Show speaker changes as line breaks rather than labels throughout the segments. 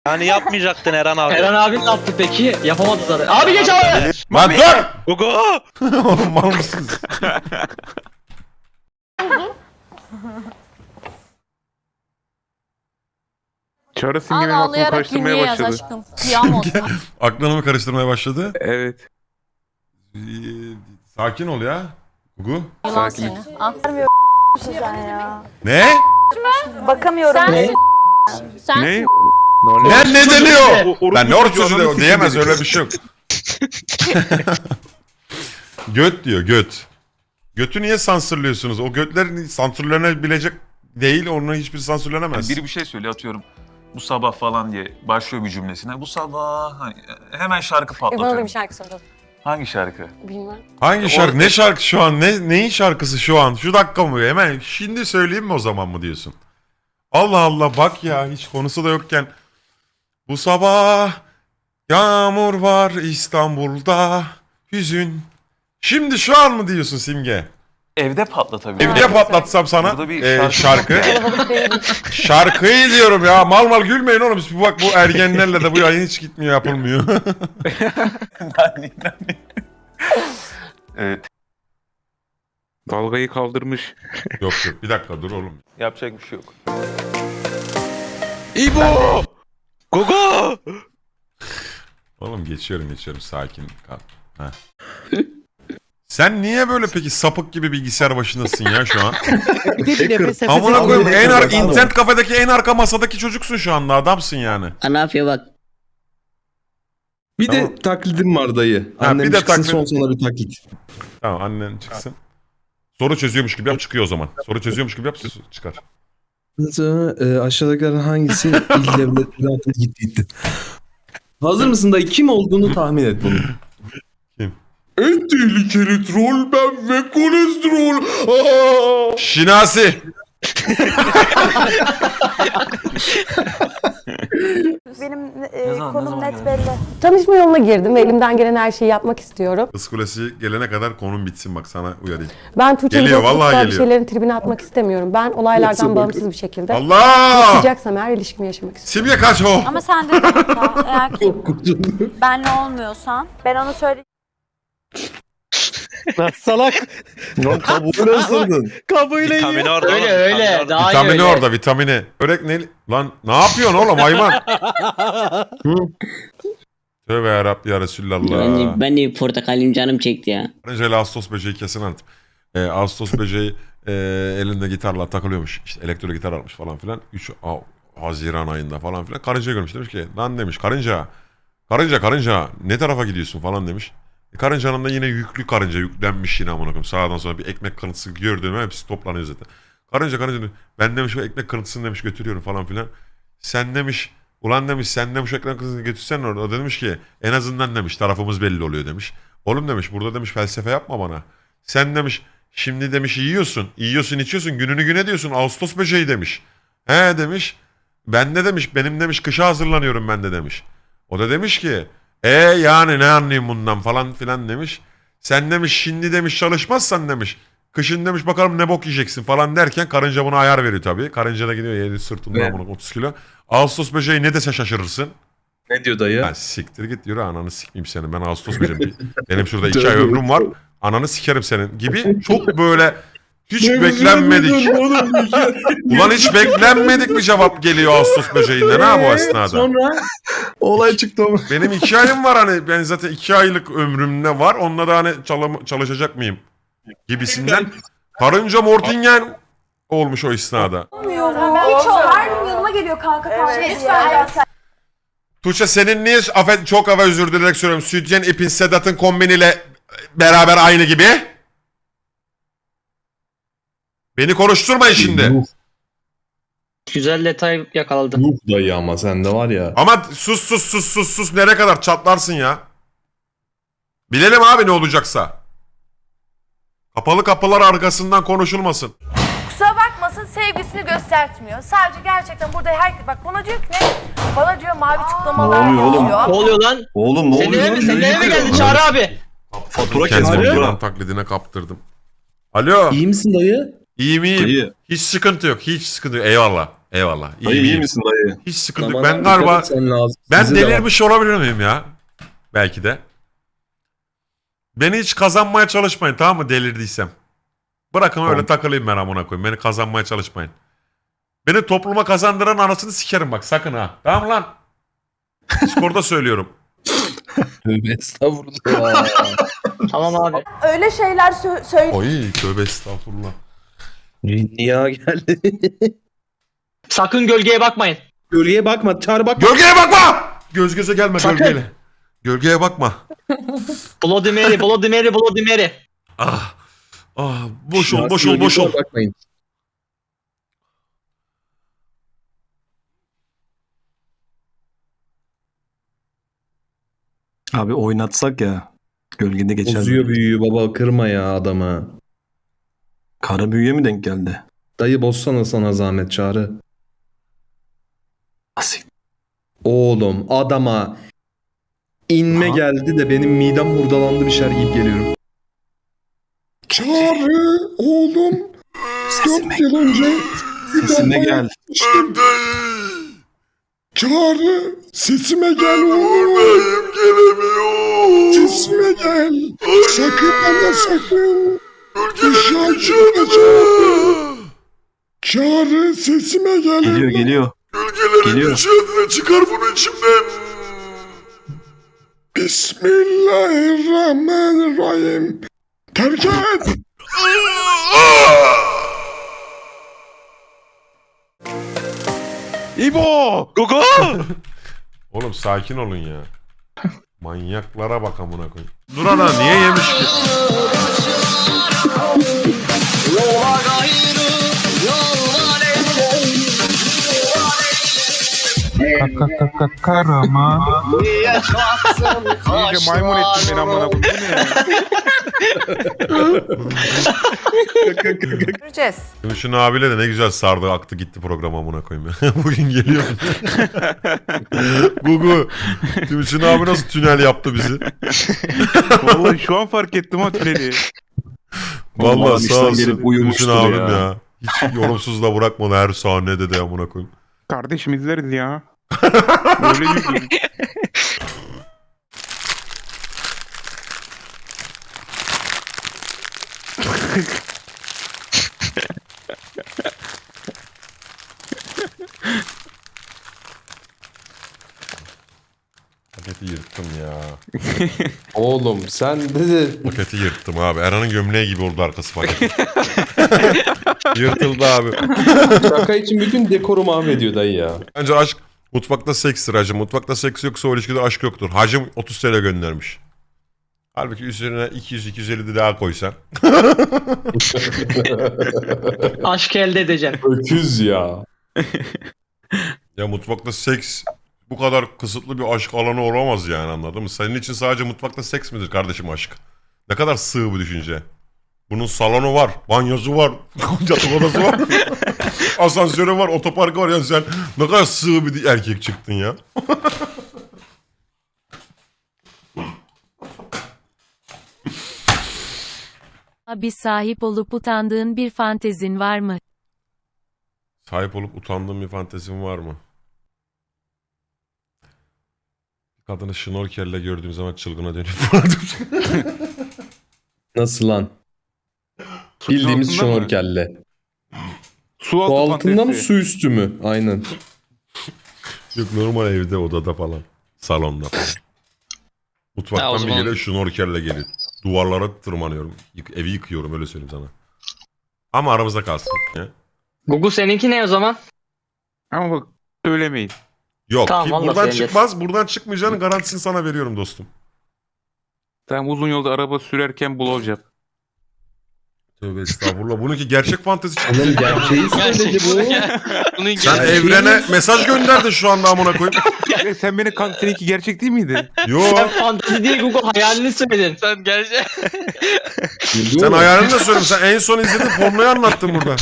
Yani yapmayacaktın Eren abi.
Eren abi ne yaptı peki? Yapamadı zaten. Abi geç abi!
Lan dur!
Gugu!
Oğlum mal mısınız?
Çağrı simgenin aklını
Ağlayarak
karıştırmaya
günlüğe yaz
başladı.
aşkım. Kıyam olsun.
Aklını mı karıştırmaya başladı?
Evet.
Ee, Sakin ol ya. Gugu.
Yılan
Sakin.
seni. Ah.
Sen ya.
Ne?
Bakamıyorum.
Sensin. Sensin.
Ne?
Ne deniyor?
Orospu
Ben ne oruç
çocuğu,
sözü
ananı
de
sikeyim
diyemez
dedi.
öyle bir şey yok. Göt diyor göt. Götü niye sansürlüyorsunuz? O götlerin sansürlenebilecek değil, onun hiçbir sansürlenemez.
Biri bir şey söylüyor atıyorum. Bu sabah falan diye başlıyor bir cümlesine. Bu sabah hani hemen şarkı
Bana da
patlatıyorum.
bir şarkı soralım.
Hangi şarkı?
Bilmem.
Hangi şarkı? Ne şarkı şu an? Neyin şarkısı şu an? Şu dakika mı? Hemen şimdi söyleyeyim mi o zaman mı diyorsun? Allah Allah bak ya hiç konusu da yokken. Bu sabah yağmur var İstanbul'da hüzün. Şimdi şu an mı diyorsun Simge?
Evde patlatabilirim.
Evde patlatsam sana
Burada bir
şarkı. Şarkıyı diyorum ya. Mal mal gülmeyin oğlum. Bak bu ergenlerle de bu yayın hiç gitmiyor yapılmıyor.
Evet.
Dalgayı kaldırmış.
Yok yok bir dakika dur oğlum.
Yapacak bir şey yok.
İbo! Gugu!
Oğlum geçiyorum sakin kal. Heh. Sen niye böyle peki sapık gibi bilgisayar başındasın ya şu an? Amına koyayım internet kafedeki en arka masadaki çocuksun şu anda adamsın yani.
Ne yapıyor bak.
Bir
Tamam.
de taklidim var dayı.
Ha,
Annem
bir de
çıksın
taklit-
son sana bir taklit.
Tamam annen çıksın. Soru çözüyormuş gibi yap çıkıyor o zaman. Soru çözüyormuş gibi yap çıkar.
Aşağıdakilerden hangisi il devletleri altına gitti? Hazır mısın dayı? Kim olduğunu tahmin et bunu.
Kim?
En tehlikeli troll ben ve kolesterol.
Şinasi.
Benim
Ne zaman
konum net
geldi?
belli.
Tanışma yoluna girdim ve elimden gelen her şeyi yapmak istiyorum.
Kız Kulesi gelene kadar konum bitsin bak sana uyarayım.
Ben Tuğçe'nin
Geliyor,
korkutup
vallahi
da bir
geliyor.
şeylerin tribine atmak istemiyorum. Ben olaylardan
Yoksa
bağımsız bir şekilde
Allah!
yaşayacaksam eğer ilişkimi yaşamak istiyorum.
Simge kaç o?
Ama sen de kanka, eğer ki benle olmuyorsan
Ben onu söyleyeyim.
Salak. Lan kabuğunu ısırdın.
Vitamini orada.
Öyle
oğlum,
öyle.
vitamini orada.
Daha iyi
Vitamini
öyle.
orada vitamini. Börek ne? Lan ne yapıyorsun oğlum hayvan? Tövbe yarabbi ya Resulallah.
Ben de bir portakalim canım çekti ya.
Önce Ağustos böceği kesin anlat. Ağustos böceği elinde gitarla takılıyormuş. İşte elektro gitar almış falan filan. 3 Haziran ayında falan filan. Karınca görmüş demiş ki lan demiş karınca ne tarafa gidiyorsun falan demiş. Karıncanın da yine yüklü karınca yüklenmiş yine amına koyayım. Sağdan sonra bir ekmek kırıntısı gördüğüm hepsi toplanıyor zaten. Karınca ben demiş bu ekmek kırıntısını demiş götürüyorum falan filan. Sen demiş ulan demiş sen demiş ekmek kırıntısını götürsen orada. O da demiş ki en azından demiş tarafımız belli oluyor demiş. Oğlum demiş burada demiş felsefe yapma bana. Sen demiş şimdi demiş yiyorsun içiyorsun gününü güne diyorsun Ağustos böceği demiş. He demiş ben de demiş benim demiş kışa hazırlanıyorum ben de demiş. O da demiş ki yani ne anlayayım bundan falan filan demiş. Sen demiş şimdi demiş çalışmazsan demiş. Kışın demiş bakalım ne bok yiyeceksin falan derken karınca buna ayar veriyor tabii. Karınca da gidiyor yedi sırtından bunu 30 kilo. Ağustos böceği ne dese şaşırırsın.
Ne diyor dayı?
Ya siktir git yürü ananı sikmeyeyim seni. Ben Ağustos böceğim. Benim şurada 2 ay ömrüm var. Ananı sikerim senin gibi. Çok böyle hiç beklenmedik. Ulan hiç beklenmedik bir cevap geliyor Ağustos böceğinden ha bu esnada.
Sonra olay çıktı ama.
Benim 2 ayım var hani ben zaten 2 aylık ömrüm ne var onunla da hani çalışacak mıyım gibisinden. Karınca Mortingen olmuş o esnada.
Hiç o her gün yanıma geliyor kanka lütfen.
Tuğçe senin niye çok özür dilerim söylüyorum. Sütyen ipin Sedat'ın kombiniyle beraber aynı gibi? Beni konuşturmayın şimdi.
Güzel detay yakaladım.
Yuh dayı ama sende var ya.
Ama sus nereye kadar çatlarsın ya. Bilelim abi ne olacaksa. Kapalı kapılar arkasından konuşulmasın.
Kusura bakmasın sevgisini göstertmiyor. Sadece gerçekten burada herkes bak bana diyor ki ne? Bana diyor mavi tıklamalar
Ne oluyor oğlum?
yazıyor.
Ne oluyor lan?
Oğlum ne
Senin eve mi? Senin eve mi geldi Çağrı abi?
Fatura
Kendimi
kesmiyor.
yılan taklidine kaptırdım. Alo.
İyi misin dayı?
İyiyim.
Dayı.
Hiç sıkıntı yok. Eyvallah. Eyvallah.
Dayı iyi
iyiyim.
misin dayı?
Hiç sıkıntı yok.
Aman
Ben
abi,
galiba
dikkat et, sen lazım.
ben
Bize de var.
delirmiş olabilir miyim ya? Belki de. Beni hiç kazanmaya çalışmayın, tamam mı, delirdiysem. Bırakın öyle takılayım ben amına koyayım. Beni kazanmaya çalışmayın. Beni topluma kazandıran anasını sikerim bak, sakın ha. Tamam lan. Discord'da söylüyorum.
Tövbe estağfurullah.
Tamam abi.
Öyle şeyler söyle.
Oy tövbe estağfurullah.
Dünya geldi.
Sakın gölgeye bakmayın.
Gölgeye bakma. Çağrı bakma.
Gölgeye bakma! Göz göze gelme
Sakın.
gölgeyle. Gölgeye bakma.
Bloody Mary, Bloody Mary, Bloody Mary.
Ah. Ah, boş ol,
Şahsi
boş ol, boş ol.
gölgeye bakmayın.
Abi oynatsak ya. Gölgede geçer.
Bozuyor büyüyü baba, kırma ya adamı.
Kara büyüye mi denk geldi?
Dayı bozsana sana zahmet Çağrı.
Asik.
Oğlum adama inme
Aha.
geldi de benim midem hurdalandı, bir şeyler yiyip geliyorum. Çağrı oğlum.
Sesime,
4 yıl önce
sesime gel.
Çağrı sesime gel oğlum.
Gelemiyorum.
Sesime gel. Sakın ama sakın.
Gölgeler
Çağrı sesime gel.
Geliyor geliyor.
Gölgelerin
Geliyor.
gücü çıkar bunu içimden.
Bismillahirrahmanirrahim. Terk et.
İbo!
Gugu!
Oğlum sakin olun ya. Manyaklara bak amına koyayım. Durana niye yemiş ki?
Karama. İyice maymun ettin beni amına koyayım. Bu ne ya?
Göreceğiz.
Gümüş'ün abiyle de ne güzel sardı aktı gitti program amına koyayım ya. Bugün geliyor. Gugu. Gümüş'ün abi nasıl tünel yaptı bizi?
Vallahi şu an fark ettim ha tüneli.
Vallahi
Vallahi
sağ
işten
olsun
gelip
Gümüş'ün
uyumuştur
abim
ya.
ya. Hiç yorumsuz da bırakmadı her sahnede de amına koyayım.
Kardeşim izleriz ya. Böyle yüzüm.
Paketi yırttım ya.
Oğlum sen de
Paketi yırttım abi. Erhan'ın gömleği gibi oldu arkası paketi. Yırtıldı abi.
şaka için bütün dekoru mahvediyor dayı ya.
Bence aşk mutfakta sekstir hacım. Mutfakta seks yoksa o ilişkide aşk yoktur. Hacım 30 TL göndermiş. Halbuki üzerine 200-250 de daha koysan.
Aşk elde edeceğim.
Öküz ya.
Ya mutfakta seks bu kadar kısıtlı bir aşk alanı olamaz yani, anladın mı? Senin için sadece mutfakta seks midir kardeşim aşk? Ne kadar sığ bir düşünce. Bunun salonu var, banyosu var, yatak odası var, asansörü var, otoparkı var. Yani sen ne kadar sığ bir erkek çıktın ya.
Bir sahip olup utandığın bir fantezin var mı?
Sahip olup utandığın bir fantezin var mı? Kadını şnorkelle gördüğüm zaman çılgına dönüp
Nasıl lan?
Suyun
Bildiğimiz
altında mı?
şnorkelle.
Su altı
Su altında mı
fantezisi.
su üstü mü? Aynen.
Yok, normal evde, odada falan. Salonda falan. Mutfaktan bir geliyor, şnorkelle geliyor. Duvarlara tırmanıyorum. Evi yıkıyorum, öyle söyleyeyim sana. Ama aramızda kalsın. Ya.
Gugu seninki ne o zaman?
Ama bak söylemeyin.
Yok,
Tamam,
ki
vallahi
buradan
söyleyeceğiz.
çıkmaz. Buradan çıkmayacağının garantisini sana veriyorum dostum.
Sen uzun yolda araba sürerken blowjob.
Tövbe estağfurullah. Bununki gerçek fantezi çıktı.
Oğlum gerçeği söyledi bu.
Sen evrene mesaj gönderdin şu anda amına koyayım.
Sen beni seninki gerçek değil miydi?
Yo.
Sen fantezi değil Gugu, hayalini söyledin.
Sen hayalini de söyleyeyim. Sen en son izlediğin pornoyu anlattın burada.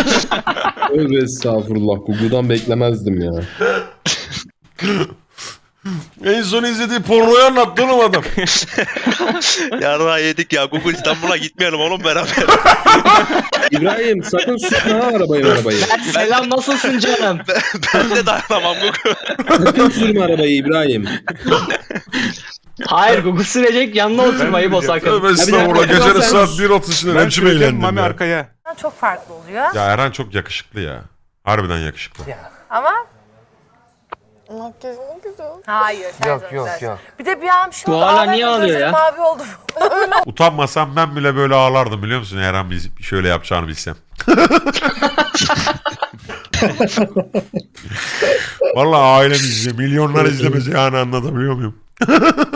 Tövbe estağfurullah. Google'dan beklemezdim ya.
En son izlediği pornoyu anlattı oğlum adam.
Yarra yedik ya. Google İstanbul'a gitmeyelim oğlum beraber.
İbrahim sakın sürme ha arabayı.
Selam nasılsın canım?
Ben de dayanamam Google.
Sakın sürme arabayı İbrahim.
Hayır Google sürecek yanına oturmayı o sakın.
Tövbe estağfurullah.
dakika,
Gecenin
sen-
saat 1.30'ında
Ben
hemşire
süreceğim,
eğlendim
Mami
ya.
arkaya.
Çok farklı oluyor.
Ya Eren çok yakışıklı ya. Harbiden yakışıklı.
Ama hayır. Yok. Bir de bir an bir şey
Bu
oldu.
hala
ağladım,
niye ağlıyor
gözlerim
ya?
Mavi oldu.
Utanmasam ben bile böyle ağlardım biliyor musun? Eren bir şöyle yapacağını bilsem. Vallahi ailem izliyor. Milyonlar izlemez yani anlatabiliyor muyum?